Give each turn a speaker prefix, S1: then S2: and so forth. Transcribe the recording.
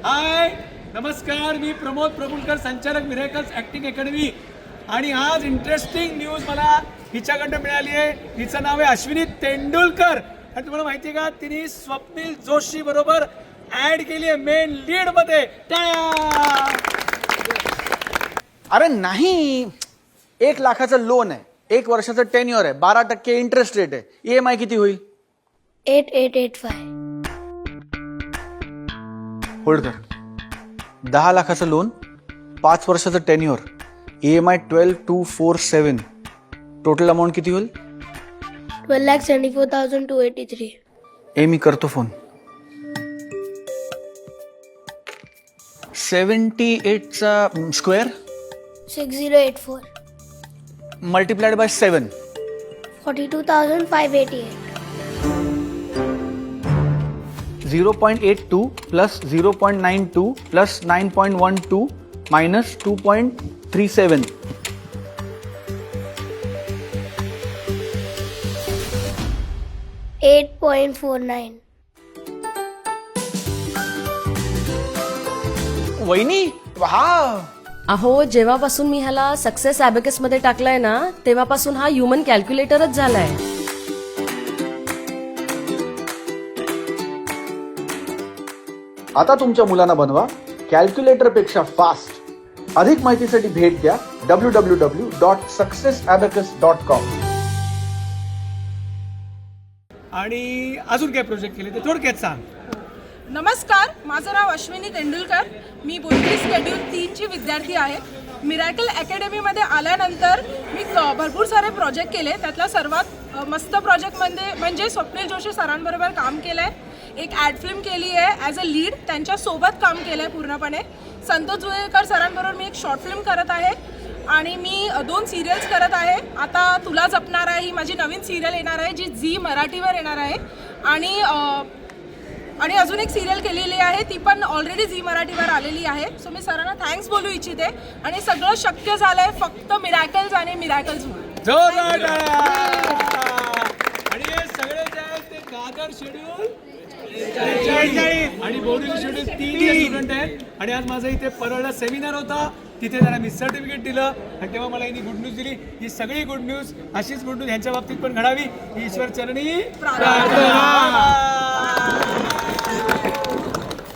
S1: हाय नमस्कार, मी प्रमोद प्रभुलकर, संचालक miracles acting academy. आणि आज इंटरेस्टिंग न्यूज मला हिच्याकडनं मिळाली आहे. हिचं नाव आहे अश्विनी तेंडुलकर. आणि तुम्हाला माहिती आहे का, तिने स्वप्नील जोशी बरोबर ऍड केली आहे मेन लीड मध्ये.
S2: अरे नाही, 1 लाखाचं लोन आहे, 1 वर्षाचं टेन्युअर आहे, 12% इंटरेस्ट रेट आहे. EMI किती होईल?
S3: 8885.
S2: होल्ड कर. 10 लाखाचं लोन, 5 वर्षाचं टेन्युअर, EMI 12247. टोटल अमाऊंट किती होईल?
S3: 12,74,283.
S2: मी करतो फोन. 78चा square
S3: 6084.
S2: Multiplied by 7.
S3: 42,588.
S2: 0.82 plus 0.92 plus 9.12 minus 2.37.
S3: 8.49.
S2: वहिनी हा
S4: अहो, जेव्हापासून मी ह्याला सक्सेस ॲबेकस मध्ये टाकलाय ना, तेव्हापासून हा ह्युमन कॅल्क्युलेटरच झालाय.
S2: आता तुमच्या मुलांना बनवा कॅल्क्युलेटर पेक्षा फास्ट. अधिक माहितीसाठी भेट द्या www.successabacus.com.
S1: आणि अजून काय प्रोजेक्ट केले ते थोडक्यात सांग.
S5: नमस्कार, माझं नाव अश्विनी तेंडुलकर. मी बोलकी स्केड्यूल 3ची विद्यार्थी आहे. मिरॅकल अकॅडमीमध्ये आल्यानंतर मी भरपूर सारे प्रोजेक्ट केले. त्यातला सर्वात मस्त प्रोजेक्ट म्हणजे स्वप्नील जोशी सरांबरोबर काम केलं आहे. एक ॲड फिल्म केली आहे ॲज अ लीड, त्यांच्यासोबत काम केलं आहे पूर्णपणे. संतोष जुवेकर सरांबरोबर मी एक शॉर्ट फिल्म करत आहे आणि मी 2 सिरियल्स करत आहे. आता तुला जपणार आहे ही माझी नवीन सिरियल येणार आहे, जी झी मराठीवर येणार आहे. आणि अजून एक सिरियल केलेली आहे, ती पण ऑलरेडी झी मराठीवर आलेली आहे. सो मी सरांना थँक्स बोलू इच्छिते. आणि सगळं शक्य झालंय फक्त मिरॅकल्स आणि मिरॅकल्समुळे.
S1: जोरदार टाळ्या. आणि हे सगळे जे आहेत ते दादर शेड्यूल 43 आणि बोर्डिंग शेड्यूल 3 स्टुडंट आहेत. आणि आज माझा इथे परळला सेमिनार होता, तिथे त्यांना मी सर्टिफिकेट दिलं आणि तेव्हा मला यांनी गुड न्यूज दिली. ही सगळी गुड न्यूज, अशीच गुड न्यूज यांच्या बाबतीत पण घडावी ही ईश्वर चरणी प्रार्थना.